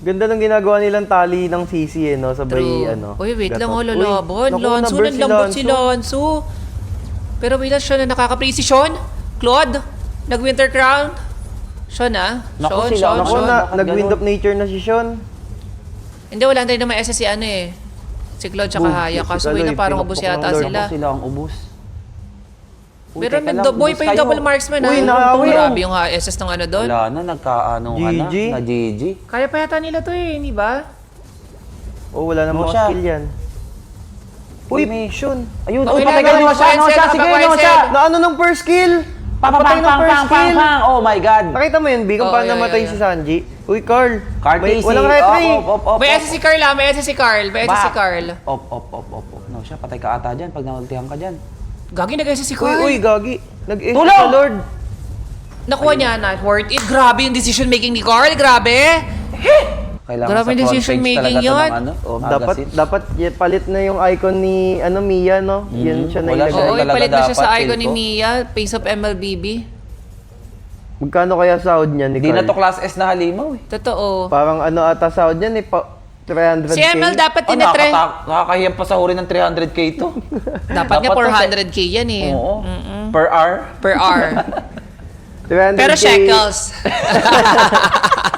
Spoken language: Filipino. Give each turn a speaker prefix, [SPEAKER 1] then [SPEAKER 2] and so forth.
[SPEAKER 1] Ganda ng ginagawa nilang tali ng CC no, sabay
[SPEAKER 2] True. Uy, wait lang,
[SPEAKER 1] gatot.
[SPEAKER 2] lalaban.
[SPEAKER 1] Uy, naku,
[SPEAKER 2] Lanzo,
[SPEAKER 1] na-burst
[SPEAKER 2] nanlambot si Lanzo. Pero wait lang, Sean na nakaka-play si Sean. Claude, nag-winter crown. Sean
[SPEAKER 3] Naku, sila,
[SPEAKER 2] Sean,
[SPEAKER 1] Ako
[SPEAKER 2] Sean.
[SPEAKER 1] na,
[SPEAKER 3] bakit
[SPEAKER 1] nag-wind
[SPEAKER 3] ganun?
[SPEAKER 1] of nature na si Sean.
[SPEAKER 2] Hindi, wala na rin naman SS si si Claude tsaka
[SPEAKER 1] Boom,
[SPEAKER 2] Haya.
[SPEAKER 1] si
[SPEAKER 2] Kaso
[SPEAKER 1] Kaloy,
[SPEAKER 2] wait na parang ubos
[SPEAKER 1] pinupok ng
[SPEAKER 2] yata
[SPEAKER 1] Lord.
[SPEAKER 2] sila.
[SPEAKER 3] Naku, sila ang ubus. Uy,
[SPEAKER 2] Pero
[SPEAKER 3] teka
[SPEAKER 2] may
[SPEAKER 3] lang,
[SPEAKER 2] boy
[SPEAKER 3] ubus
[SPEAKER 2] pa yung
[SPEAKER 3] kayo.
[SPEAKER 2] double marksman
[SPEAKER 1] Uy, nakawin.
[SPEAKER 2] Grabe yung SS ng doon.
[SPEAKER 3] Wala na, nagkaano ka na.
[SPEAKER 1] GG.
[SPEAKER 3] Na GG.
[SPEAKER 2] Kaya pa yata nila to hindi ba?
[SPEAKER 1] Oh, wala namang
[SPEAKER 3] siya.
[SPEAKER 1] skill yan. Uy,
[SPEAKER 3] may-
[SPEAKER 1] Sean.
[SPEAKER 3] Ayun,
[SPEAKER 2] Okay
[SPEAKER 3] uy,
[SPEAKER 2] na,
[SPEAKER 3] patay ka
[SPEAKER 2] go,
[SPEAKER 3] no siya, no siya. Sige, no siya.
[SPEAKER 1] Na ano ng first kill?
[SPEAKER 3] Pang,
[SPEAKER 1] Napatay
[SPEAKER 3] pang,
[SPEAKER 1] ng
[SPEAKER 3] pang,
[SPEAKER 1] first
[SPEAKER 3] pang, pang,
[SPEAKER 1] kill.
[SPEAKER 3] pang. Oh my God.
[SPEAKER 1] Nakita mo yun, B, kung
[SPEAKER 2] Oo,
[SPEAKER 1] paano
[SPEAKER 2] yeah,
[SPEAKER 1] namatay
[SPEAKER 2] yeah,
[SPEAKER 1] si Sanji? Uy, Carl.
[SPEAKER 3] Carl
[SPEAKER 1] May,
[SPEAKER 3] Casey.
[SPEAKER 1] walang retry.
[SPEAKER 3] Op.
[SPEAKER 2] May SS si Carl may SS si Carl. May SS si Carl.
[SPEAKER 3] Op. No siya, patay ka ata dyan pag naultihan ka dyan.
[SPEAKER 2] Gagi nag-SS si
[SPEAKER 1] Uy,
[SPEAKER 2] Carl.
[SPEAKER 1] uy, gagi. Nag-S
[SPEAKER 3] Tulong!
[SPEAKER 1] sa Lord.
[SPEAKER 2] Nakuha niya na. Worth it. Grabe yung decision making ni Carl. Grabe.
[SPEAKER 3] Kailangan
[SPEAKER 2] Grabe
[SPEAKER 3] sa
[SPEAKER 2] yung
[SPEAKER 3] front
[SPEAKER 2] decision
[SPEAKER 3] page
[SPEAKER 2] making
[SPEAKER 3] talaga to
[SPEAKER 2] yun.
[SPEAKER 3] ng
[SPEAKER 1] Oh,
[SPEAKER 3] magazine.
[SPEAKER 1] dapat palit na yung icon ni Mia, no? Yan siya na
[SPEAKER 3] Wala
[SPEAKER 1] ilagay.
[SPEAKER 3] siya.
[SPEAKER 2] Oo,
[SPEAKER 3] talaga
[SPEAKER 2] ipalit na siya sa
[SPEAKER 3] dapat,
[SPEAKER 2] icon ni
[SPEAKER 3] feel ko.
[SPEAKER 2] Mia. Face of MLBB.
[SPEAKER 1] Magkano kaya sahod niya ni
[SPEAKER 3] Hindi
[SPEAKER 1] Carl?
[SPEAKER 3] na to class S na halimaw eh.
[SPEAKER 2] Totoo.
[SPEAKER 1] Parang ano ata sahod niya ni 300k.
[SPEAKER 2] Si ML dapat
[SPEAKER 3] Oh,
[SPEAKER 2] tinetre.
[SPEAKER 3] nakakahiyang pasahurin ng 300k to.
[SPEAKER 2] Dapat nga
[SPEAKER 3] to,
[SPEAKER 2] 400k yan eh.
[SPEAKER 3] Oo. Per hour.
[SPEAKER 2] Per hour.
[SPEAKER 1] 300k.
[SPEAKER 2] Pero shekels.